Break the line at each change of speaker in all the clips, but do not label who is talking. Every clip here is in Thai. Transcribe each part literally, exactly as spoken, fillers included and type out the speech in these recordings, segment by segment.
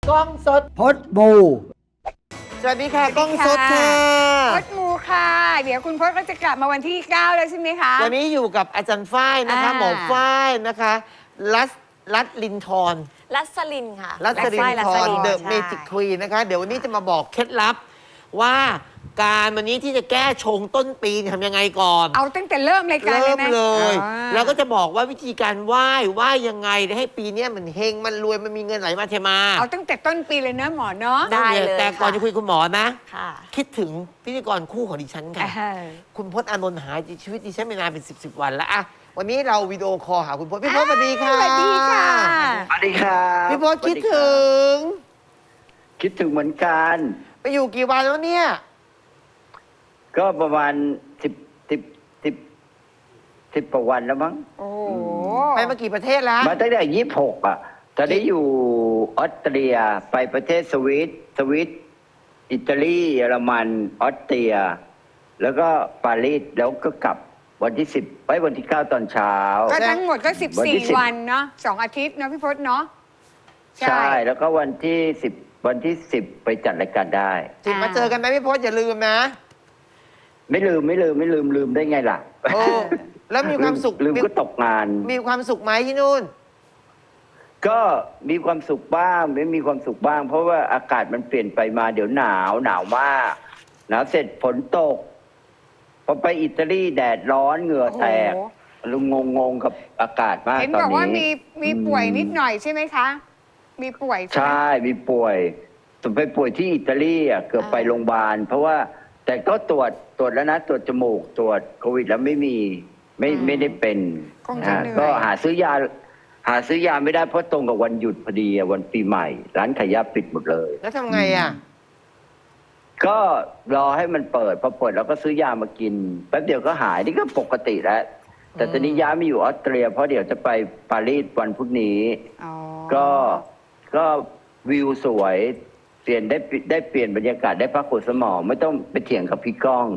กล้องสด
พดบู
สวัสดีค่ะกล้องสดค่ะ
พดมูค่ะ เดี๋ยวคุณพจน์ก็จะกลับมาวันที่เก้าแล้วใช่ไหมคะ
วันนี้อยู่กับอาจารย์ฝ้ายนะคะ
อ่า
หมอฝ้ายนะคะรัสรัตลินทร
รัสลินค่ะ
รัสลิน
รั
ท
ส
ร
ลิน
เดอะ
ใช่
เมจิกควีนนะคะ เดี๋ยววันนี้จะมาบอกเคล็ดลับว่าการวันนี้ที่จะแก้ชงต้นปีทำยังไงก่อน
เอาตั้งแต่เริ่มรายการเล
เริ่
ย
ม
ไหม
เลย
อ่า
แล้วก็จะบอกว่าวิธีการไหว้ไหว้ยังไงให้ปีเนี้ยมันเฮงมันรวยมันมีเงินไหลมาเทมา
เอาตั้งแต่ต้นปีเลยเนอะหมอเนาะ
ได้เลย
แต่ก่อน
ค่ะ
จะคุยกับคุณหมอนะ
ค่ะ
คิดถึงพิธีกรคู่ของดิฉันค่ะ
อ่า
คุณพจน์อานนท์หายชีวิตดิฉันไม่นานเป็นสิบสิบวันแล้วอะวันนี้เราวิดีโอคอลหาคุณพจน์พี่พจน์สวัสดีค่ะ
สวัสดีค่ะ
สวัสดีครับ
พี่พจน์คิดถึง
คิดถึงเหมือนกัน
ไปอยู่กี่วันแล้วเนี่ย
ก็ประมาณสิบสิบสิบสิบกว่าวันแล้วมั้ง
โอ้โห
ไปมากี่ประเทศแล้ว
มาตั้งแต่ยี่สิบหกอ่ะ ตอนนี้อยู่ออสเตรียไปประเทศสวิตสวิตอิตาลีเยอรมันออสเตรีย แล้วก็ปารีสแล้วก็กลับวันที่สิบไปวันที่เก้าตอนเช้า
ก็ทั้งหมดก็สิบ
วัน
สี่
ที่สิบ
วันเนาะสองอาทิตย์เนาะพี่พจน์เนาะ
ใช่ แล้วก็วันที่สิบวันที่สิบไปจัดรายการได้
จิบมาเจอกันไหมพี่พจน์อย่าลืมนะ
ไม่ลืมไม่ลืมไม่ลืมลืมได้ไงล่ะ
โอ้แล้วมีความสุข
ลืม
มี
ก็ตกงาน
มีความสุขไหมที่นู่น
ก็มีความสุขบ้างไม่มีความสุขบ้าง เพราะว่าอากาศมันเปลี่ยนไปมาเดี๋ยวหนาวหนาวมากหนาวเสร็จฝนตกพอไปอิตาลีแดดร้อนเหงื่อแตก
โอ้โห
ลุงงงงๆกับอากาศมาก
เห็น
ตอน
บอกว่า
นี้
มีมีป่วยนิดหน่อยใช่ไหมคะ มีป่วยใช่ไหม
ใช่มีป่วยแต่ไปป่วยที่อิตาลีอ่ะเกือบไปโรงพยาบาลเพราะว่าแต่ก็ตรวจตรวจแล้วนะตรวจจมูกตรวจโควิดแล้วไม่มีไม่ไม่ได้เป็น
คงจะ
อ่า
เหนื่
ก็
อย
หาซื้อยา หาซื้อยาไม่ได้เพราะตรงกับวันหยุดพอดีอะวันปีใหม่ ร้านขายยาปิดหมดเลย
แล้วทำไงอ่ะ
ก็รอให้มันเปิดพอเปิดเราก็ซื้อยามากินแป๊บเดียวก็หายนี่ก็ปกติแล้ว แต่ตอนนี้ย้ายมาอยู่ออสเตรีย เพราะเดี๋ยวจะไปปารีสวันพรุ่งนี้
อ๋อ
ก็ก็วิวสวยเปลี่ยนได้ได้เปลี่ยนบรรยากาศได้พักผ่อนสมองไม่ต้องไปเถียงกับพี่ก้อง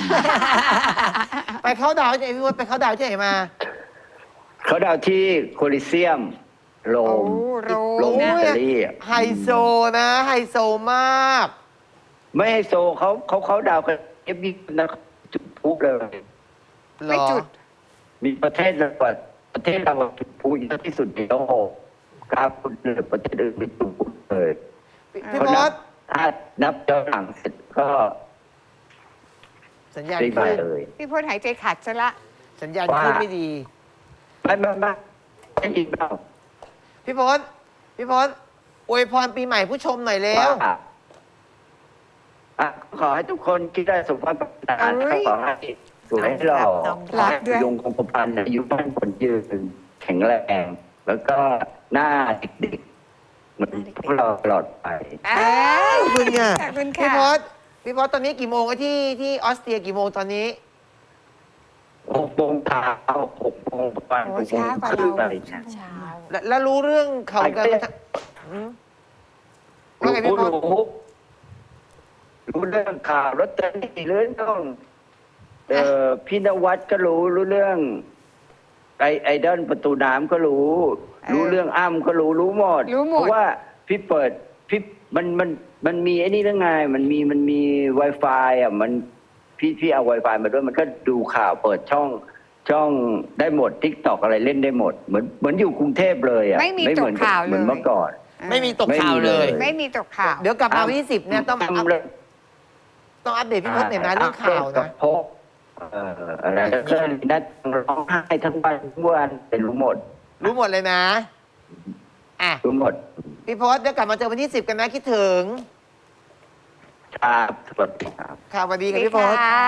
ไปเข้าดาวที่ไหนพี่พจน์ไปเข้าดาวที่ไหนมา
เขาดาวที่โคลิเซียมโร
โอ้
ม
โร
โร
ม
ม
นะ
อิตาลีอะ
ไฮโซนะ ไฮโซมาก
ไม่ให้โซเขาเขาเขาดาวกันเอฟบีนะจุดพลุเลย
เหร
ไม่
อ
จุด
มีประเทศเราอะประเทศเราอะจุดพลุเยอะที่สุดในโลกครับคุณเหลือประเทศอื่นไม่จุดพลุเลย
พี่
อ่า
พี่
เขา
พ
นั
จน์
ถ้านับย้อนหลังเสร็จก็
สัญญาณ
ปีใหม่
ขึ้น
เลย
พี่พจน์หายใจขัดซะละ
สัญญาณขึ้นไม่ดี
ไม่ไม่ไม่ไม่ยินเปล่า
พี่พจน์พี่พจน์อวยพรปีใหม่ผู้ชมหน่อยเร็ว
ว่าอ่ะขอให้ทุกคนคิดได้สมความปรารถนา
เอ้ย
ขอให้สวยหล่อ
น้อม
ข
รั
อบ ให้ยงคงกระพันอายุบ้านคนยืนแข็งแรง แล้วก็หน้าเด็กๆเหมือนพวกเราตลอดไป
อ้า
ขอบคุณค่ะ
ขอบคุณ
พี่
ค่ะ
พจน์พี่พจน์ตอนนี้กี่โมงอะที่ที่ออสเตรียกี่โมงตอนนี้
หกโมงเช้าหกโมงประมาณ
โอ้
หกโม
ช้าง กว่า
ครึ่ง
เรา
อะไรเนี่ย
เช้า
แล้วแล้วรู้เรื่องเขากันมาทั้งหืมว่าไงพี่
รู้
พจน์
รู้รู้เรื่องข่าวรถเตอรี่เรื่องต้องเอ่อพี่นวัดก็รู้รู้เรื่อง ไอไอดอลประตูน้ำก็รู้ รู้เรื่องอ้ำก็รู้รู้หมด
รู้หมด
เพราะว่าพี่เปิดพี่มันมันมันมีไอ้นี่เรื่องไง มันมีมันมี Wi-Fi อ่ะมันพี่พี่เอา Wi-Fi มาด้วยมันก็ดูข่าวเปิดช่องช่องได้หมดทิกตอกอะไรเล่นได้หมด เหมือนเหมือนอยู่กรุงเทพเลยอ่ะ
ไม่มี
เหมืน
ตกข่าว
เหมือน
เลย
เมื่อก่อน
ไม่มีตกข่าวเลย
ไม่มีเลย
ไม่มีตกข่าว
เดี๋ยวกลับมาวันที่สิบเนี่ยต้องอัพ
ทำเลย
ต้องอัปเดตพี่พจน์หน่อยนะเรื่องข่าว
กั
นะ
บพกเอ่ออะไรแล้วก็นัดร้องไห้ทั้งวันทั้งวันเป็นรู้หมด
รู้หมดเลยนะอ่ะ
รู้หมด
พี่พจน์เดี๋ยวกลับมาเจอวันที่สิบกันนะคิดถึง
ครับสวัสดีครับ
ค่ะสวัสดี
สวั
ค่ะ
สดี
พี่พจน์
ค่ะ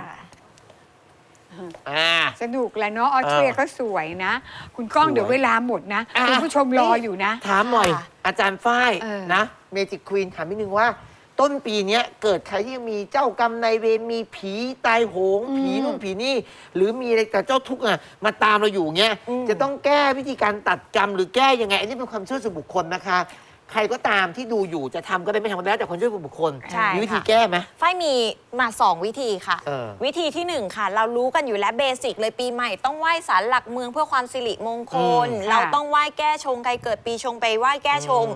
อ่า
สนุกแหละเนาะออสเตรีย
เออ
ก็สวยนะ คุณก้อง
สวย
เดี๋ยวเวลาหมดนะ
อ่ะ
คุณผู้ชมรออยู่นะ
ถามหน่อย
ค่ะ
อาจารย์ฝ้าย
เออ
นะเมจิกควีนถามนิดนึงว่า ต้นปีเนี้ยเกิดใครที่มีเจ้ากรรมนายเวรมีผีตายโหง ผีนู่นผีนี่ หรือมีอะไรแต่เจ้าทุกข์อ่ะมาตามเราอยู่เงี้ย
อืม
จะต้องแก้วิธีการตัดกรรมหรือแก้ยังไง อันนี้เป็นความเชื่อส่วนบุคคลนะคะ ใครก็ตามที่ดูอยู่จะทำก็ได้ไม่ทำก็ได้แล้วแต่ความเชื่อส่วนบุคคล
ใช่
มีวิธี
ค่ะ
แก้ไหม
ฝ้ายมีมาสองวิธีค่ะ
เออ
วิธีที่หนึ่งค่ะ เรารู้กันอยู่แล้วเบสิกเลยปีใหม่ต้องไหว้ศาลหลักเมืองเพื่อความสิริมงคล
อืม
เราต้องไหว้แก้ชงใครเกิดปีชงไปไหว้แก้ชง
อืม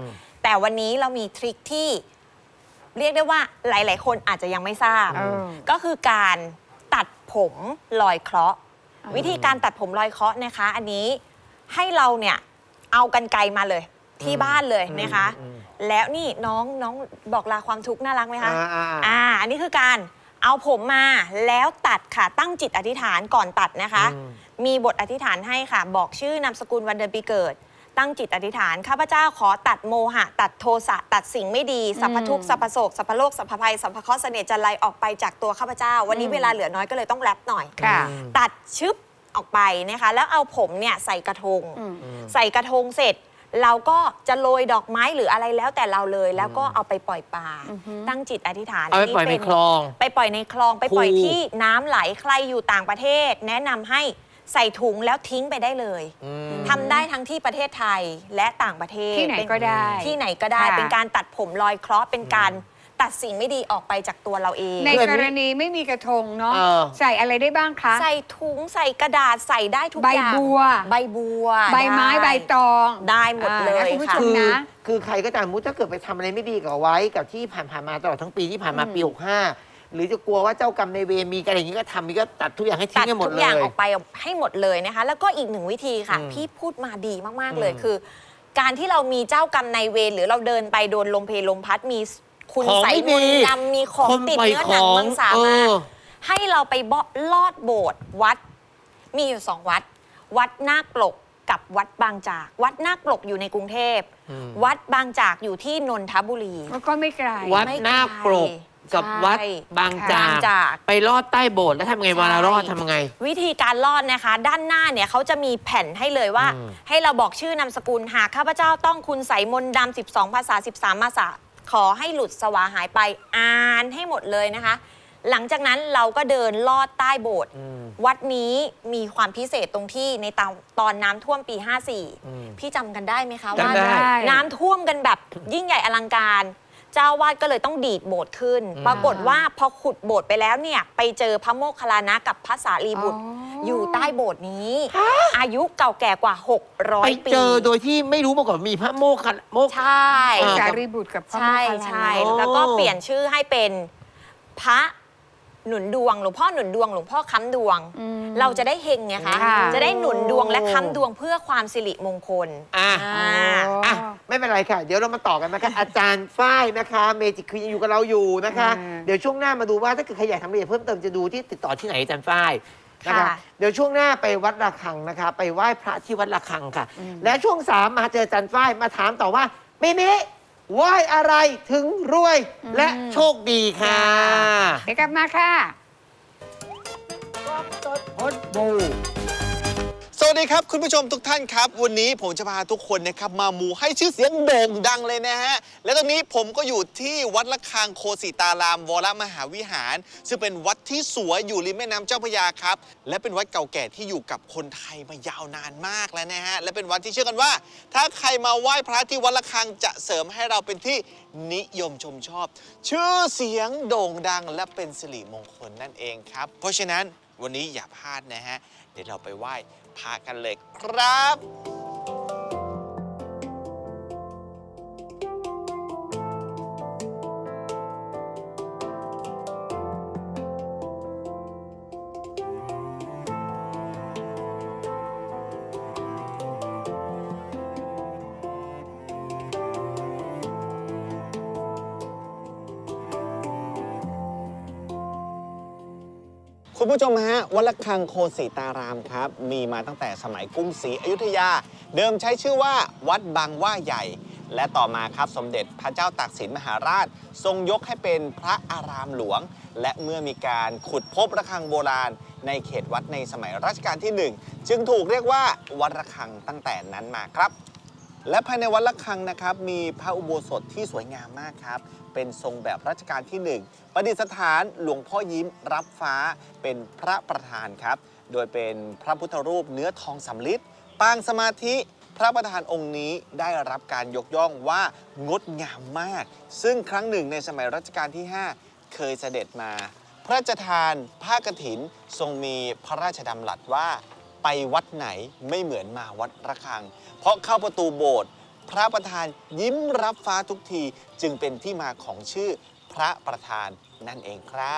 แต่วันนี้เรามีทริคที่เรียกได้ว่าหลาย ๆ คนอาจจะยังไม่ทราบ
เออ
ก็คือการตัดผมลอยเคราะห์ วิธีการตัดผมลอยเคราะห์นะคะ อันนี้ให้เราเนี่ยเอากรรไกรมาเลยที่บ้านเลยนะคะ
อืม
แล้วนี่น้องน้องบอกลาความทุกข์น่ารักไหมคะ
อ่าอ่าอ่า
อ่า อันนี้คือการเอาผมมาแล้วตัดค่ะ ตั้งจิตอธิษฐานก่อนตัดนะคะ
อืม
มีบทอธิษฐานให้ค่ะ บอกชื่อนามสกุลวันเดือนปีเกิด ตั้งจิตอธิษฐานข้าพเจ้าขอตัดโมหะ ตัดโทสะตัดสิ่งไม่ดีสัพพทุกข์สัพพโศกสัพพโลกสัพพภัยสัพพเคราะห์เสน่ห์จันไรออกไปจากตัวข้าพเจ้า วันนี้เวลาเหลือน้อยก็เลยต้องแรปหน่อย
ค่ะ
ตัดชึบออกไปนะคะ แล้วเอาผมเนี่ยใส่กระทง
อืม
ใส่กระทงเสร็จ เราก็จะโรยดอกไม้หรืออะไรแล้วแต่เราเลย แล้วก็เอาไปปล่อยปลา
อือฮึ
ตั้งจิตอธิษฐาน
เอาไปปล่อยในคลอง
ไปปล่อยในคลองไปปล่อย
คู
ที่น้ำไหลใครอยู่ต่างประเทศ แนะนำให้ใส่ถุงแล้วทิ้งไปได้เลย
อืม
ทำได้ทั้งที่ประเทศไทยและต่างประเทศ
ที่ไหนก็ได้
ที่ไหนก็ได้
ค่ะ
เป็นการตัดผมลอยเคราะห์เป็นการตัดสิ่งไม่ดีออกไปจากตัวเราเอง
ใน
เพื่อน
กรณีไม่มีกระทงเนาะ
เออ
ใส่อะไรได้บ้างคะ
ใส่ถุงใส่กระดาษใส่ได้ทุก
ใบ
อย่าง
บัว
ใบบัว
ใบไม้
ด้
ใบตอง
ได้หมดเลย
อ่านะคุณผู้ช
ค่ะ
ม
คือ
นะ
คือใครก็ตามมุติถ้าเกิดไปทำอะไรไม่ดีกับไว้กับที่ผ่านๆมาตลอดทั้งปีที่ผ่านมาปีหกห้าหรือจะกลัวว่าเจ้ากรรมในายเวรมีอะไรอย่างนี้ก็ทำมีก็ตัดทุกอย่างให้ทิ้
ตั
ง
ด
ให้หมด
ทุก
เล
อย่าง
ย
ออกไปให้หมดเลยนะคะ แล้วก็อีกหนึ่งวิธีค่ะ
อืม
พี่พูดมาดีมาก
อืม
ๆ เลยคือ การที่เรามีเจ้ากรรมนายเวรหรือเราเดินไปโดนลมเพลลมพัดมีคุณ
ของ
ใส่
ไม่
มน
ดี
ต์ดำมีของ
คน
ติด
ปล่อย
เนื้อหนัง
ของ
มังสา
เอ
มา
อ
ให้เราไปเบาะลอดโบสถ์วัดมีอยู่สองวัด วัดนาคปลกกับวัดบางจาก วัดนาคปลกอยู่ในกรุงเทพ
อืม
วัดบางจากอยู่ที่นนทบุรี
ก็ไม่ไกล
วัด
ไม่ไกล
นาคปรกกับ
ใช่
วัดบางจา
บางจาก
ไปลอดใต้โบสถ์แล้วทำไงเวลารอดทำไง
วิธีการรอดนะคะ ด้านหน้าเนี่ยเขาจะมีแผ่นให้เลยว่า
อืม
ให้เราบอกชื่อนามสกุลหากข้าพเจ้าต้องคุณใส่มนต์ดำสิบสองภาษาสิบสามภาษาขอให้หลุดสวาหายไปอ่านให้หมดเลยนะคะ หลังจากนั้นเราก็เดินลอดใต้โบสถ์
อืม
วัดนี้มีความพิเศษตรงที่ในตอนตอนน้ำท่วมปีห้าสี่
อืม
พี่จำกันได้ไหมคะ
จำ
ว่า
ได้
น้ำท่วมกันแบบยิ่งใหญ่อลังการ เจ้าวาดก็เลยต้องดีดโบสถ์ขึ้น
อืม
ปรากฏว่าพอขุดโบสถ์ไปแล้วเนี่ยไปเจอพระโมคคัลลานะกับพระสารีบุตร
อ๋อ
อ
อ
ยู่ใต้โบสถ์นี้ อายุเก่าแก่กว่า หกร้อ
ไป
ย ปี
เจอโดยที่ไม่รู้มาก่อนมีพระโมคคัลโมค
ใช่
อ่า
สารีบุตรกับพระโม
ใช่
คคัลลานะ
ใช่
โอ้
แล้วก็เปลี่ยนชื่อให้เป็นพระหนุนดวงหลวงพ่อหนุนดวงหลวงพ่อค้ำดวง
อืม
เราจะได้เฮงไงคะ
ค่ะ
จะได้หนุนดวงและค้ำดวงเพื่อความสิริมงคล
อ่ะ
อ่า
อ่ะไม่เป็นไรค่ะ เดี๋ยวเรามาต่อกันนะคะ อาจารย์ฝ้ายนะคะเมจิกคือยังอยู่กับเราอยู่นะคะ
อืม
เดี๋ยวช่วงหน้ามาดูว่าถ้าเกิดใครอยากทำรายละเอียดเพิ่มเติมจะดูที่ติดต่อที่ไหนอาจารย์ฝ้ายนะคะ
ค่ะ
เดี๋ยวช่วงหน้าไปวัดระฆังนะคะ ไปไหว้พระที่วัดระฆังค่ะ และช่วงสามมาเจออาจารย์ฝ้ายมาถามต่อว่าเมเมไหว้อะไรถึงรวยและโชคดีค่ะ
เดี๋ยวกลับมาค่ะ
สวัสดีครับคุณผู้ชมทุกท่านครับ วันนี้ผมจะพาทุกคนนะครับมามูให้ชื่อเสียงโด่งดังเลยนะฮะและตอนนี้ผมก็อยู่ที่วัดระฆังโคสิตารามวรมหาวิหาร ซึ่งเป็นวัดที่สวยอยู่ริมแม่น้ำเจ้าพระยาครับและเป็นวัดเก่าแก่ที่อยู่กับคนไทยมายาวนานมากแล้วนะฮะและเป็นวัดที่เชื่อกันว่า ถ้าใครมาไหว้พระที่วัดระฆังจะเสริมให้เราเป็นที่นิยมชมชอบ ชื่อเสียงโด่งดังและเป็นสิริมงคลนั่นเองครับเพราะฉะนั้นวันนี้อย่าพลาดนะฮะเดี๋ยวเราไปไหว้พากันเลยครับ คุณผู้ชมฮะวัดระฆังโคสิตารามครับ มีมาตั้งแต่สมัยกรุงศรีอยุธยา เดิมใช้ชื่อว่าวัดบางว่าใหญ่ และต่อมาครับสมเด็จพระเจ้าตากสินมหาราช ทรงยกให้เป็นพระอารามหลวง และเมื่อมีการขุดพบระฆังโบราณ ในเขตวัดในสมัยรัชกาลที่หนึ่งจึงถูกเรียกว่าวัดระฆังตั้งแต่นั้นมาครับ และภายในวัดระฆังนะครับมีพระอุโบสถที่สวยงามมากครับเป็นทรงแบบรัชกาลที่หนึ่งประดิษฐานหลวงพ่อยิ้มรับฟ้าเป็นพระประธานครับโดยเป็นพระพุทธรูปเนื้อทองสำริดปางสมาธิพระประธานองค์นี้ได้รับการยกย่องว่างดงามมากซึ่งครั้งหนึ่งในสมัยรัชกาลที่ห้าเคยเสด็จมาพระราชทานผ้ากฐินทรงมีพระราชดำรัสว่าไปวัดไหนไม่เหมือนมาวัดระฆังเพราะเข้าประตูโบสถ์พระประธานยิ้มรับฟ้าทุกที จึงเป็นที่มาของชื่อพระประธานนั่นเองครับ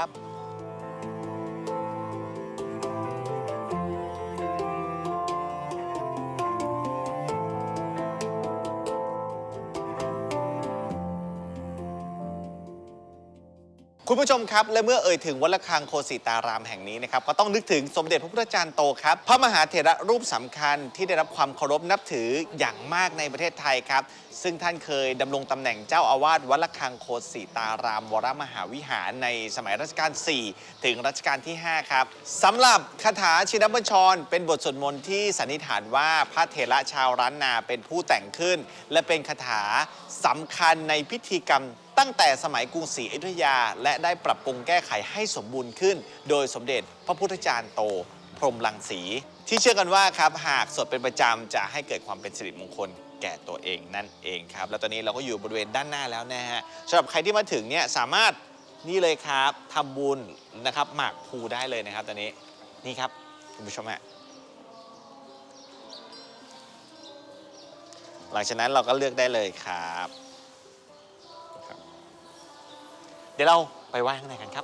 คุณผู้ชมครับ และเมื่อเอ่ยถึงวัดระฆังโคสิตารามแห่งนี้นะครับก็ต้องนึกถึงสมเด็จพระพุทธจารย์โตครับพระมหาเถระรูปสำคัญที่ได้รับความเคารพนับถืออย่างมากในประเทศไทยครับซึ่งท่านเคยดำรงตำแหน่งเจ้าอาวาสวัดระฆังโคสิตารามวรมหาวิหารในสมัยรัชกาลที่สี่ถึงรัชกาลที่ห้าครับสำหรับคาถาชินบัญชรเป็นบทสวดมนต์ที่สันนิษฐานว่าพระเถระชาวล้านนาเป็นผู้แต่งขึ้นและเป็นคาถาสำคัญในพิธีกรรมตั้งแต่สมัยกรุงศรีอยุธยาและได้ปรับปรุงแก้ไขให้สมบูรณ์ขึ้นโดยสมเด็จพระพุทธจารย์โตพรหมรังสีที่เชื่อกันว่าครับหากสวดเป็นประจำจะให้เกิดความเป็นสิริมงคลแก่ตัวเองนั่นเองครับแล้วตอนนี้เราก็อยู่บริเวณด้านหน้าแล้วนะฮะสำหรับใครที่มาถึงเนี่ยสามารถนี่เลยครับทำบุญนะครับหมากพลูได้เลยนะครับตอนนี้นี่ครับคุณผู้ชมฮะหลังจากนั้นเราก็เลือกได้เลยครับเดี๋ยวเราไปไหว้ข้างในกันครับ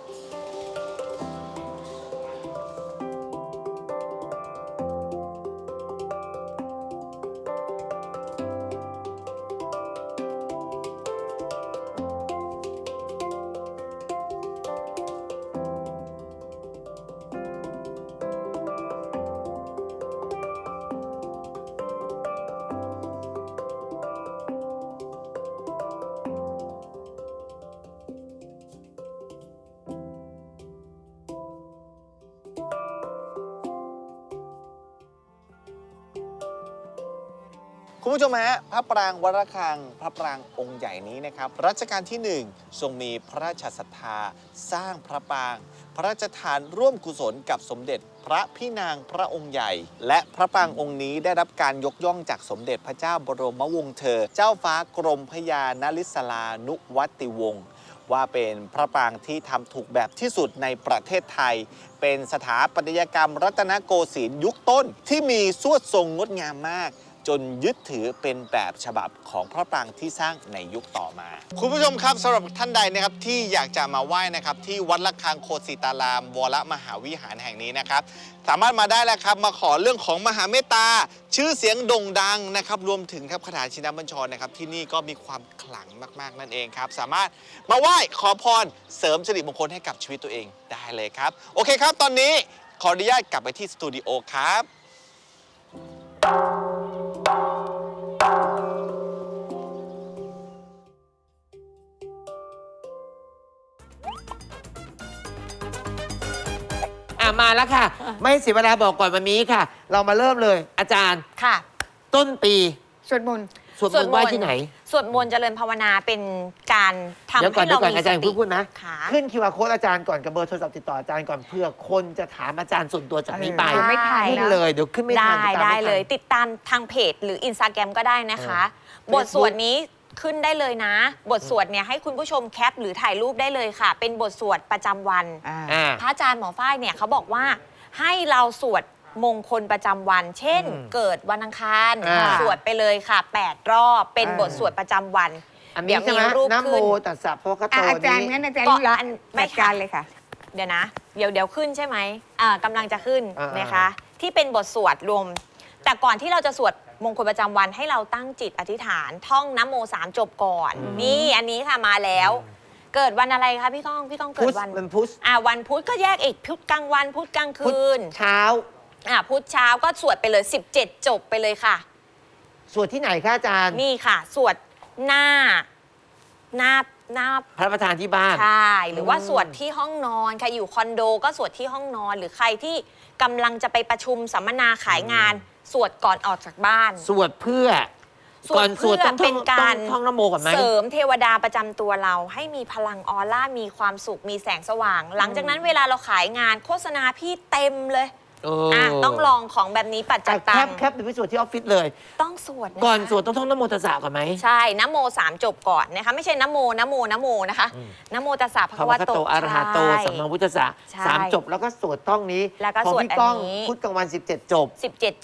คุณผู้ชมฮะพระปรางวัดระฆังพระปรางองค์ใหญ่นี้นะครับรัชกาลที่หนึ่งทรงมีพระราชศรัทธาสร้างพระปรางพระราชทานร่วมกุศลกับสมเด็จพระพี่นางพระองค์ใหญ่และพระปรางองค์นี้ได้รับการยกย่องจากสมเด็จพระเจ้าบรมวงศ์เธอ เจ้าฟ้ากรมพระยานริศรานุวัติวงศ์ว่าเป็นพระปรางที่ทำถูกแบบที่สุดในประเทศไทยเป็นสถาปัตยกรรมรัตนโกสินทร์ยุคต้นที่มีสวดทรงงดงามมากจนยึดถือเป็นแบบฉบับของพระปรางที่สร้างในยุคต่อมาคุณผู้ชมครับสำหรับท่านใดนะครับที่อยากจะมาไหว้นะครับที่วัดระฆังโคสิตารามวรมหาวิหารแห่งนี้นะครับสามารถมาได้แล้วครับมาขอเรื่องของมหาเมตตาชื่อเสียงโด่งดังนะครับรวมถึงครับคาถาชินบัญชรนะครับที่นี่ก็มีความขลังมากๆนั่นเองครับสามารถมาไหว้ขอพรเสริมสิริมงคลให้กับชีวิตตัวเองได้เลยครับโอเคครับตอนนี้ขออนุญาตกลับไปที่สตูดิโอครับ
มาแล้วค่ะ ไม่เสียเวลาบอกก่อนวันนี้ค่ะ เรามาเริ่มเลย อาจารย์
ค่ะ
ต้นปี
สวดมนต์
สวดมนต์ไหว้ที่ไหน
สวดมนต์เจริญภาวนาเป็นการทำ
เดี๋ยวก่อ
ให้
นเดี๋ย
เรา
วก่อน
มี
อา
ส
จารย์
ติ
พูดพูดนะ
ค่ะ
ขึ้นคิวอาร์โค้ดอาจารย์ก่อนกับเบอร์โทรศัพท์ติดต่ออาจารย์ก่อนเพื่อคนจะถามอาจารย์ส่วนตัวจากนี้ไป
เออไม่ทัน
ขึ้น
นะ
เลยเดี๋ยวขึ้นไม่ทัน
ได้
ติตาม
ได้
ม่ทัน
เลยติดตามทางเพจหรืออินสตาแกรมก็ได้นะคะ
เออบ
ทสวดนี้ขึ้นได้เลยนะ บทสวดเนี่ยให้คุณผู้ชมแคปหรือถ่ายรูปได้เลยค่ะ เป็นบทสวดประจำวัน
อ่า
อ่า
พระอาจารย์หมอฝ้ายเนี่ยเขาบอกว่าให้เราสวดมงคลประจำวัน เช่น
อืม
เกิดวันอังคาร
อ่า
สวดไปเลยค่ะแปดรอบเป็น
อ่า
บทสวดประจำวัน
อัน
เดี๋
นี้
ยว
ใช่ไหม
มีรูป
นะโม
ขึ้น
ตัสสะพระคะโต
อ่ะอาจารย์
นี้
งั้นอาจารย์
ก็
รู้ละ
อันไม่
จัดการเลยค่ะ
เดี๋ยวนะ เดี๋ยวเดี๋ยวขึ้นใช่ไหมอ่ากำลังจะขึ้น
อ่าน
นะคะ ที่เป็นบทสวดรวม แต่ก่อนที่เราจะสวดมงคลประจำวันให้เราตั้งจิตอธิษฐานท่องนะโมสามจบก่อน นี่อันนี้ค่ะมาแล้ว เกิดวันอะไรคะพี่ก้องพี่ก้องเกิ
พุ
ด
ธ
วัน
มันพุธ
อ่าวันพุธก็แยกอีกพุธกลางวันพุธกลาง
พุธ
คืน
เช้า
อ่าพุธเช้าก็สวดไปเลยสิบเจ็ดจบไปเลยค่ะ
สวดที่ไหนคะอาจารย์
นี่ค่ะ สวดหน้าหน้าหน้า
พระประธานที่บ้าน
ใช่หรือว่า
อืม
สวดที่ห้องนอนใครอยู่คอนโดก็สวดที่ห้องนอน หรือใครที่กำลังจะไปประชุมสัมมนาขายงาน สวดก่อนออกจากบ้าน
สวดเพื่อ
สวด
ก่อนสวด
เพื่อ
ต้องท่
เป็
อง
นการ
ต้องท่องนะโมก่อนไหม
เสริมเทวดาประจำตัวเราให้มีพลังออร่ามีความสุขมีแสงสว่าง หลังจากนั้นเวลาเราขายงานโฆษณาพี่เต็มเลย
เอ
อ่ะต้องลองของแบบนี้ปัจจั
อ่ะ
ยตั
แค
ง
ปแคปไปสวดที่ออฟฟิศเลย
ต้องสวดนะคะ
ก่อนสวดต้องท่องนะโมตัสสะก่อนไหม
ใช่นะโมสามจบก่อนนะคะไม่ใช่นะโมนะโมนะโมนะคะ
อืม
นะโมตัสสะภะ
พระ
คะ
ว
วะ
ค
โต
โตอะระหะโต
ใช่
สัมมาวุฒสสะ
ใช่
สามจบแล้วก็สวดท่องนี้
แล้วก็
ของ
สวด
พี่ก้อง
อันนี้
พุธกลางวันสิบเจ็ดจบ
สิบเจ็ดจบ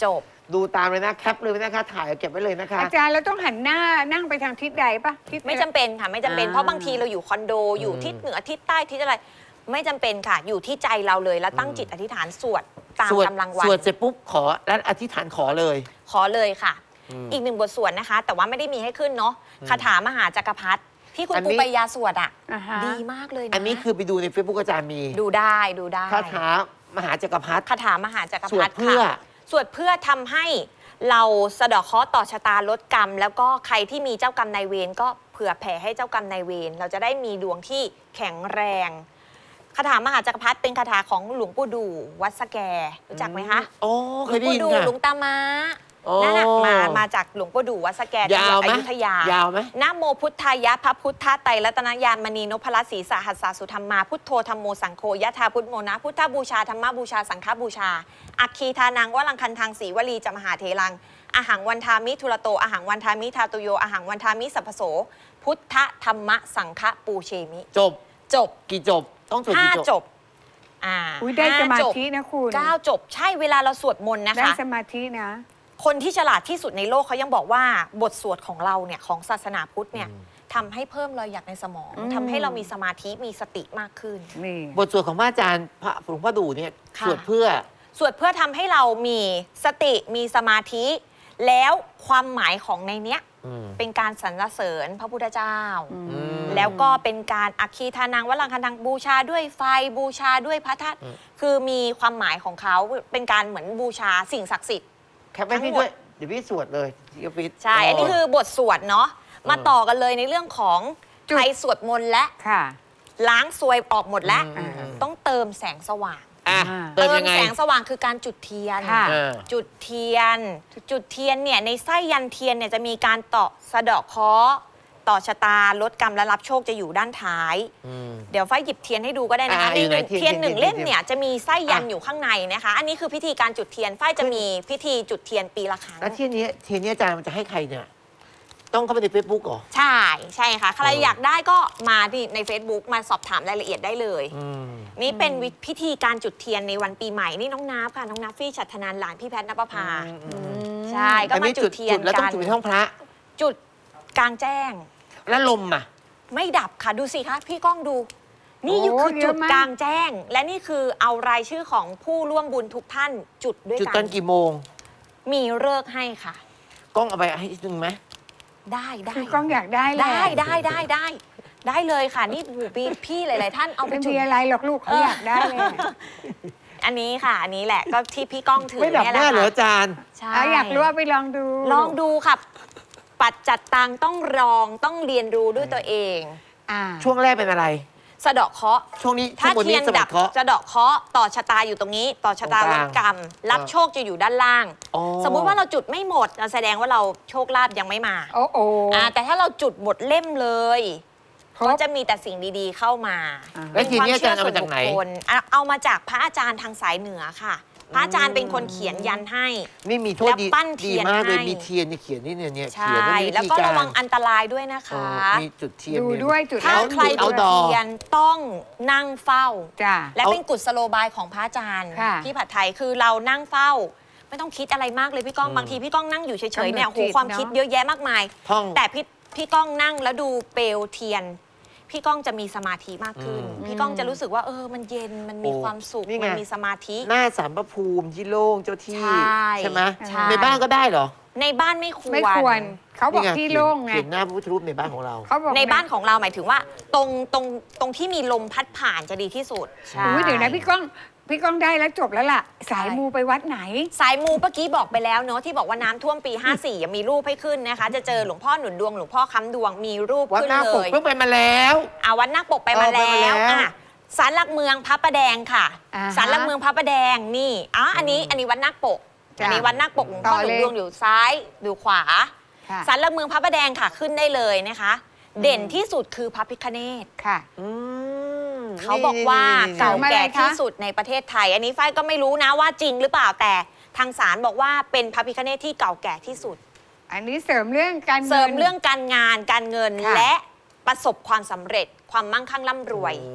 ดูตามเลยนะแคปเลยนะคะ ถ่ายเก็บไว้เลยนะคะ
อาจารย์เราต้องหันหน้านั่งไปทางทิศใดปะทิศ
ไม่จำเป็นค่ะไม่จำเป็น
อ่า
เพราะบางทีเราอยู่คอนโดอยู่
อืม
ทิศเหนือทิศใต้ทิศอะไร ไม่จำเป็นค่ะ อยู่ที่ใจเราเลยแล้วตั้งจิตอธิษฐานสวดตาม
สวด
กำลังวั
ส
น
วดเสร็จปุ๊บขอแล้วอธิษฐานขอเลย
ขอเลยค่ะ
อืม
อีกหนึ่งบทสวดนะคะ แต่ว่าไม่ได้มีให้ขึ้นเนาะคาถามหาจักรพรรดิที่คุณ
อัน
ปู
นี้
ปายาสวดอ่ะ
อ่าฮะ
ดีมากเลยนะ
อันนี้คือไปดูใน Facebook อาจารย์มี
ดูได้ดูได้
คาถามหาจักรพรรดิ
คาถามหาจักร
ส
พ
ว
ร
ด
รดิ
เพื่อ
ค่ะสวดเพื่อทำให้เราสะเดาะเคราะห์ต่อชะตาลดกรรม แล้วก็ใครที่มีเจ้ากรรมนายเวรก็เผื่อแผ่ให้เจ้ากรรมนายเวรเราจะได้มีดวงที่แข็งแรงคาถามหาจักรพรรดิเป็นคาถาของหลวงปู่ดูวัดสแกรู้จักไหมคะ
โอ้
ห
เค
ลวย ง
ได้
ปู่
ยิน
ดู
ค่ะ
หลวงตามา
โอ้
นั่นน่ะมามาจากหลวงปู่ดูวัดสแกจัง
ยา
ห
ว
วัด
ไหม
อยุธยาย
าวไหม
นะโมพุทธายะพระพุทธไตรรัตนญาณมณีนพรัตน์ศรีสหัสสาสุธรรมาพุทโธธรรมโมสังโฆยะธาพุทธโมนะพุทธบูชาธรรมบูชาสังฆบูชาอัคคีทานังวลังคันทางสีวลีจมหาเทลังอาหังวันทามิทุระโตอาหังวันทามิทาตุโยอาหังวันทามิสัพพโสพุทธธรรมสังฆปูเชมิ
จบ
จบ
กี่จบ ต้องจบ
ห้า
กี่จ
จ
บบ
อ
อ่า
ุ้ยได้สมา
ห้จบ
ธินะคุณ
เก้าจบใช่เวลาเราสวดมนต์นะ
ได้
คะ
สมาธินะ
คนที่ฉลาดที่สุดในโลกเขายังบอกว่าบทสวดของเราเนี่ยของศาสนาพุทธเนี่ยทำให้เพิ่มรอยหยักในสมอง
อืม
ทำให้เรามีสมาธิมีสติมากขึ้น
นี่
บทสวดของพระอาจารย์พระหลวงพ่อดูเนี่ย
ค่ะ
สวดเพื่อ
สวดเพื่อทำให้เรามีสติมีสมาธิ แล้วความหมายของในเนี้ย
อืม
เป็นการสรรเสริญพระพุทธเจ้า
อืม
อืม
แล้วก็เป็นการอัคคีทานังวลังคันทังบูชาด้วยไฟบูชาด้วยพระธาตุ
อืม
คือมีความหมายของเขาเป็นการเหมือนบูชาสิ่งศักดิ์สิทธิ์
แคปไว้พี่ด้วย เดี๋ยวพี่สวดเลยที่ออฟฟิศ
ใช่ อันนี้คือบทสวดเนาะ มา
เออ
ต่อกันเลยในเรื่องของ
จุด
ใครสวดมนต์และ
ค่ะ
ล้างซวยออกหมดแล้ว
อืมอืม
ต้องเติมแสงสว่าง
อ่ะ
อ่า
เติมยังไง
แสงสว่างคือการจุดเทียน
ค่ะ
เออ
จุดเทียน จุดเทียนเนี่ยในไส้ยันเทียนเนี่ยจะมีการต่อสะเดาะเคราะห์ต่อชะตาลดกรรมและรับโชคจะอยู่ด้านท้าย
อืม
เดี๋ยวฝ้ายหยิบเทียนให้ดูก็ได้นะคะ
อ่า
ใน
อยู่ไหน
หนึ่ง
เทียน
เทียนหนึ่ง
เทียน
เล่ม
เทียน
เนี่ยจะมีไส้ยัน
อ่ะ
อยู่ข้างในนะคะ อันนี้คือพิธีการจุดเทียนฝ้ายจะมีพิธีจุดเทียนปีละครั้ง
แล้วที่นี้ทีนี้อาจารย์มันจะให้ใครเนี่ย ต้องเข้าไปในเฟซบุ๊กเหรอ
ใช่ใช่ค่ะ ใคร
เออ
อ
อ
ยากได้ก็มาที่ใน Facebook มาสอบถามรายละเอียดได้เลย
อืม
นี่เป็นวิพิธีการจุดเทียนในวันปีใหม่นี่น้องนับค่ะน้องนับฟี่ฉัตรธนานหลานพี่แพทย์นภพา
อืมอืม
ใช่ก็
อัน
มา
นี้
จุดเทียน
แล้วต้อ
กั
ง
น
จุดในห้องพระ
จุดกลางแจ้ง
แล้วลมอ่ะ
ไม่ดับค่ะดูสิคะพี่ก้องดู นี่
โอ้
คือ
เย
จุ
อะ
ด
มาก
กลางแจ้ง และนี่คือเอารายชื่อของผู้ร่วมบุญทุกท่านจุดด้วย
จุด
กั
ตอน นกี่โมง
มีเลิกษ์ให้ค่ะ
กล้องเอาไปให้หนึ่งไหม
ได้ได้
คือกล้องอยากได้แหละ
ได้ได้ได้ได้ ได้เลยค่ะนี่หูพี่พี่หลาย ๆ ท่านเอาไป
ไม่
จุ
มี
ด
อะไรหรอกลูกเขาอยากได้เลย
อันนี้ค่ะ อันนี้แหละก็ที่พี่ก้องถือ
ไม่ดับ
เนี่ย
แน่
แหละ
เหรอ
ค่ะ
อาจารย์
ใช่
เอาอยากรู้ว่าไปลองดู
ลองดูค่ะ ปัจจัดตังต้องลองต้องเรียนรู้ด้วยตัวเอง
อ่า
ช่วงแรกเป็นอะไร
สะเดาะเคราะห์
ช่วงนี้ช่
ถ้าว
งบน
เที
นี้
ยน
สมั
ดั
ค
บ
รเคราะห์
จะเดาะเคราะห์ต่อชะตาอยู่ตรงนี้ ต่อชะตา
ตรงก
ล
ลาง
ดกรรม รับ
เออ
โชคจะอยู่ด้านล่าง
อ๋อ
สมมุติว่าเราจุดไม่หมดแสดงว่าเราโชคลาภยังไม่มา
โอ้โอ้
อ่าแต่ถ้าเราจุดหมดเล่มเลย
ครบ
ก็จะมีแต่สิ่งดีๆเข้ามา
อ่า
แล้วทีนี้
เป็
อาจารย์เอามาจากไหน
ควมเชื่อส่วนบุคคลอ่ะเอามาจากพระอาจารย์ทางสายเหนือค่ะ พระอาจารย์เป็นคนเขียนยันให้
นี่มีโทษ
แล้ว
ดี
ปั้นเที
ดี
ยน
มากเลย
ให้
มีเทียนเนี่ยเขียนนี่เนี่ยเนี่ย
ใช่
เขียนว่ามี
แล้ว
ธี
ก็
การ
ระวังอันตรายด้วยนะ
เอ
คะ
อมีจุดเทียน
ดู
เนี่ย
ด้วยจุด
ถ้า
แล้ว
ใคร
เอา
จุด
ดอ
เทียนต้องนั่งเฝ้า
จ้า
และ
เอา
เป็นกุศโลบายของพระอาจารย์
ค่ะ
พี่ผัดไทยคือเรานั่งเฝ้า ไม่ต้องคิดอะไรมากเลยพี่ก้องบางทีพี่ก้องนั่งอยู่เฉยๆเนี่ย
กำหนด
โห
จิต
ความ
เนอะ
คิดเยอะแยะมากมาย
ท่อง
แต่พี่พี่ก้องนั่งแล้วดูเปลวเทียน พี่ก้องจะมีสมาธิมากขึ้น
อืม
พี่ก้องจะรู้สึกว่าเออมันเย็นมันมี
โอ้
ความสุข
นี่ไง
มันมีสมาธิ
หน้าสารพระภูมิที่โล่งเจ้าที่
ใช่
ไหม
ใช่
ในบ้านก็ได้เหรอ
ในบ้านไม่ควร
ไม่ควร เขาบอก
นี่ไ
ที่โล่งไง
เขียนหน้าพระพุทธรูปในบ้านของเรา
เขาบอก
ในบ้านของเราหมายถึงว่า ตรงตรงตรงที่มีลมพัดผ่านจะดีที่สุดใช่
อุ้ยเดี๋ยวนะพี่ก้องพี่ก้องได้แล้วจบแล้วล่ะ สายมูไปวัดไหน
สายมูเมื่อกี้บอกไปแล้วเนาะที่บอกว่าน้ำท่วมปี ห้าสี่ยังมีรูปให้ขึ้นนะคะ จะเจอหลวงพ่อหนุนดวงหลวงพ่อค้ำดวงมีรูป
วัด
ขึ้น
หน้า
เล
ปก
ย
เพิ่งไปมาแล้ว
อาวัดนาคปกไปมา
เออไป
แล้
มาแล้ว ว
อ่ะศาลหลักเมืองพระประแดงค่ะ
อ่าฮะ
ศาลหลักเมืองพระประแดงนี่อ๋ออันนี้อันนี้วัดนาคปก
จ้ะ
อันนี้วัดนาคปกหลวงพ่อ
ต่อ
หนุ
เล
น
ย
ดวงอยู่ซ้ายอยู่ขวา
ค่ะ
ศาลหลักเมืองพระประแดงค่ะขึ้นได้เลยนะคะ เด่นที่สุดคือพระพิฆเนศ
ค่ะ
อืม
เขาบอกว่า
นี่ๆๆๆ
เก่าแก่
เสริมอะไรคะ
ที่สุดในประเทศไทย อันนี้ฝ้ายก็ไม่รู้นะว่าจริงหรือเปล่าแต่ทางศาลบอกว่าเป็นพระพิฆเนศที่เก่าแก่ที่สุด
อันนี้เสริมเรื่องการงิน
เสริมเรื่องการงานการเงิน
ค่ะ
และประสบความสำเร็จความมั่งคั่งร่ำรวย
โอ้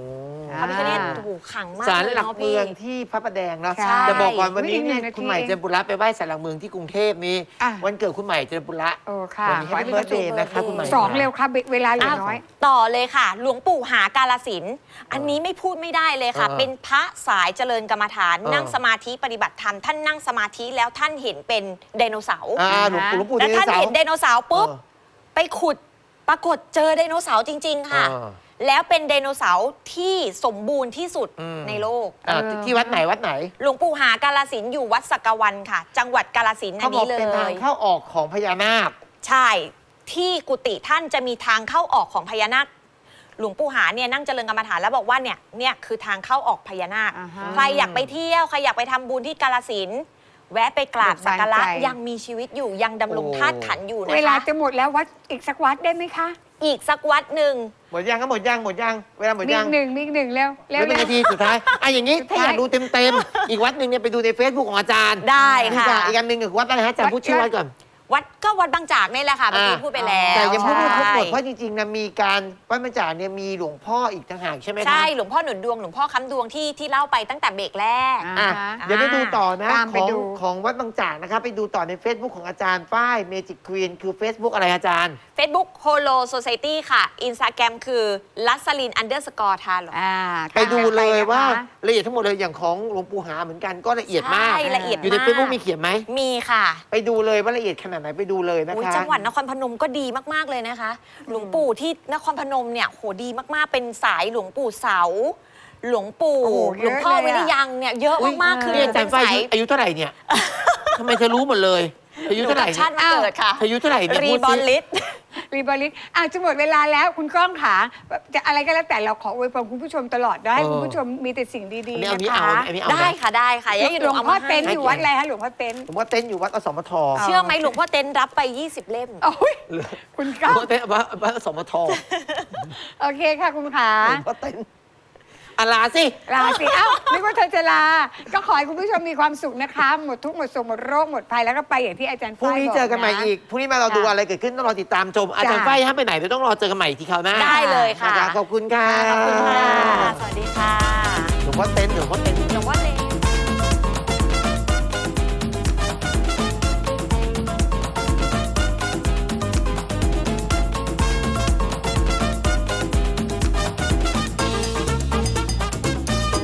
พระพิฆเนศโอ้โหขลังมาก
ศาล
เลย
หลัก
เนาะ
เมื
พี่
องที่พระประแดงเนาะ
ใช่
จะบอกก่อนวันนี้
อุ๊ยอีกหนึ่
เนี่ย
งนาที
คุณใหม่เจริญบุระไปไหว้ศาลหลักเมืองที่กรุงเทพนี่
อ่ะ
วันเกิดคุณใหม่เจริญบุระ
โอ้ค่ะ
วันนี้ให้เบิร์ดเดย์นะคะคุณใหม่
สองเร็วค่ะเวลาเหลือ
อ้าว
น้อย
ต่อเลยค่ะ หลวงปู่หากาลสินธุ์อันนี้ไม่พูดไม่ได้เลยค่ะ
เออ
เป็นพระสายเจริญกรรมฐาน
เออ
นั่งสมาธิปฏิบัติธรรมท่านนั่งสมาธิแล้วท่านเห็นเป็นไดโนเสาร์
อ่าหลวงปู่หลวงปู่
แล้ว
เด
ท่าน
เสา
เห็นไดโนเสาร์ปุ๊บ
เออ
ไปขุดปรากฏเจอไดโนเสาร์จริง ๆ ค่ะ
เออ
แล้วเป็นไดโนเสาร์ที่สมบูรณ์ที่สุด
อืม
ในโลก
อ่าที่วัดไหนวัดไหน
หลวงปู่หากาลสินธุ์อยู่วัดสักกะวันค่ะ จังหวัดกาลสินธุ์อั
เขา
น
บอก
นี้เล
เป็นทาง
ย
เข้าออกของพญานาค
ใช่ ที่กุฏิท่านจะมีทางเข้าออกของพญานาค หลวงปู่หาเนี่ยนั่งเจริญกรรมฐานแล้วบอกว่าเนี่ยเนี่ยคือทางเข้าออกพญานาค
อ่าฮะ
ใครอยากไปเที่ยวใครอยากไปทำบุญที่กาลสินธุ์แวะไปกราบสักการะ
เบิกบานใจ
ยังมีชีวิตอยู่ยังดำรง
โอ้
ธาตุขันธ์อยู่นะ
เวลา
คะ
จะหมดแล้ววัดอีกสักวัดได้ไหมคะ
อีกสักวัดหนึ่ง
หมดยังก็หมดยังหมดยังเวลาหมด
มี
ยั
อี
ง
กหนึ่งมีอีกหนึ่งเร็ว
เห
เร็
ลื
ว
อเป็นนาทีสุดท้ายอ่ะอย่างนี้
สุด
ถ้า
ท้าย
อยากดูเต็มๆ อีกวัดหนึ่งเนี่ยไปดูใน Facebook ของอาจารย์
ได้ค่ะ
อีกอ่อีกอันหนึ่งคือวัดอะไรฮะอาจารย์พูดชื่อวัดก่อน
วัดก็วัดบางจากนี่แหละค่ะเมื่อกี้
อ่า
พูดไปแล้ว
แต่ยังพูดไม่ครบหมด
ใช่
เพราะจริงๆนะมีการวัดบางจากเนี่ยมีหลวงพ่ออีกต่างหากใช่ไหมคะ
ใช่หลวงพ่อหนุนดวงหลวงพ่อค้ำดวงที่ที่เล่าไปตั้งแต่เบรกแรก
อ่า
อ่ะ
ฮะ
เดี๋ยวไปดูต่อนะ
ตาม
ข
ไป
อง
ดู
ของวัดบางจากนะครับไปดูต่อใน Facebook ของอาจารย์ป้ายเมจิกควีนคือ Facebook อะไรอาจารย์
Facebook Holo Society ค่ะ Instagram คือลัสลิน underscore ทาหรอ
อ่า
ไปดูเลยว่า
นะคะ
ละเอียดทั้งหมดเลยอย่างของหลวงปู่หาเหมือนกันก็ละเอียดมาก
ใช่ละเอียด
อยู่ใน
มาก
Facebook มีเขียนไหม
มีค่ะ
ไปดูเลยว่าละเอียดขนาดไหนไปดูเลยนะ
อุ๊ย
คะ
จังหวัดนครพนมก็ดีมาก ๆ เลยนะคะ หลวงปู่ที่นครพนมเนี่ยโหดีมาก ๆ เป็นสายหลวงปู่เสา หลวงปู่
โอ้โห
หลวงพ่อ
เยอะเลยอะ
วิริยังเนี่ยเยอะมาก ๆ คือ
เนี่ย
หนู
อาจา
เป็
ร
น
ย์ฝ้าย
สาย
อายุเท่าไหร่เนี่ยทำไมเธอรู้หมดเลยอายุ
หนู
เท่าไห
กั
ร่
บชาติมาเกิดค่ะ
อายุเท่าไหร่เนี่ย
รี
พูด
บอ
สิ
ลลิส
รีบอลิสอ้าวจะหมดเวลาแล้วคุณก้องขาจะอะไรก็แล้วแต่เราขออวยพรคุณผู้ชมตลอดได้คุณผู้ชมมีแต่สิ่งดี
อันนี้
ๆ
เอา
นะ
นี้เอา
คะ
อันนี้เอา
ได้
นะ
ค่ะได้ค่ะ
ห
ยังอยู่
ลวง
เอา
พ่อ
มา
เต้น
ให้
อยู่วัดอะไรคะหลวงพ่อเต้น
ผมว่าเต้นอยู่วัดอสมท
เชื่อไหมหลวงพ่อเต้นรับไป ยี่สิบ เล่ม
โอ้ยคุณก้อง
ผมว่าเต้นวัดวัดอสมท
โอเคค่ะคุณขา
ผมว่าเต้นอะลาสิ
ลาสิเอ้านึกว่าเธอจะลา ก็ขอให้คุณผู้ชมมีความสุขนะคะ หมดทุกข์หมดโศกหมดโรคหมดภัยแล้วก็ไปอย่างที่อาจารย์
พรุ่ง
ฝ้าย
นี้
บ
เจอกันใหม่
ะ
อีกพรุ่งนี้มาเราดู
ค่ะ
อะไรเกิดขึ้นต้องรอติดตามชมอาจารย์
จ้ะ
ฝ้ายห้ามไปไหนเดี๋ยวต้องรอเจอกันใหม่ที่คราวหน้า
ได้เลยค่ะ
นะคะขอบคุณค่ะ
ขอบคุณค่ะ สวัสดีค่ะ
หลวงพ่อเต้นหลวงพ่อเต้น
หลวงพ่อเต้น